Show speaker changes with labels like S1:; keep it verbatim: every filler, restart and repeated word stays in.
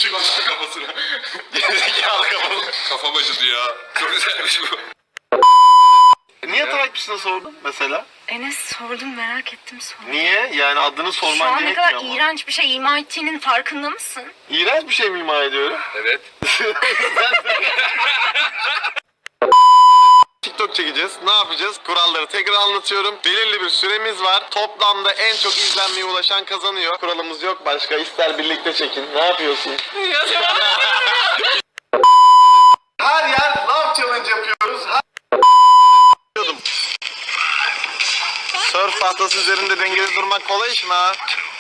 S1: Işık düştü kafasına. Gerizekalı kafasına. Kafam acıdı ya. Çok güzelmiş bu.
S2: Niye takipçisine sordun mesela?
S3: Enes sordum, merak ettim sordum.
S2: Niye? Yani adını
S3: Şu
S2: sorman
S3: an ne
S2: gerekmiyor
S3: kadar
S2: ama.
S3: iğrenç bir şey ima ettiğinin farkında mısın?
S2: İğrenç bir şey mi ima ediyorum?
S1: Evet.
S2: TikTok çekeceğiz. Ne yapacağız? Kuralları tekrar anlatıyorum. Belirli bir süremiz var. Toplamda en çok izlenmeye ulaşan kazanıyor. Kuralımız yok başka. İster birlikte çekin. Ne yapıyorsun? Her yer love challenge yapıyoruz. Her... Surf tahtası üzerinde dengeli durmak kolay iş mi ha?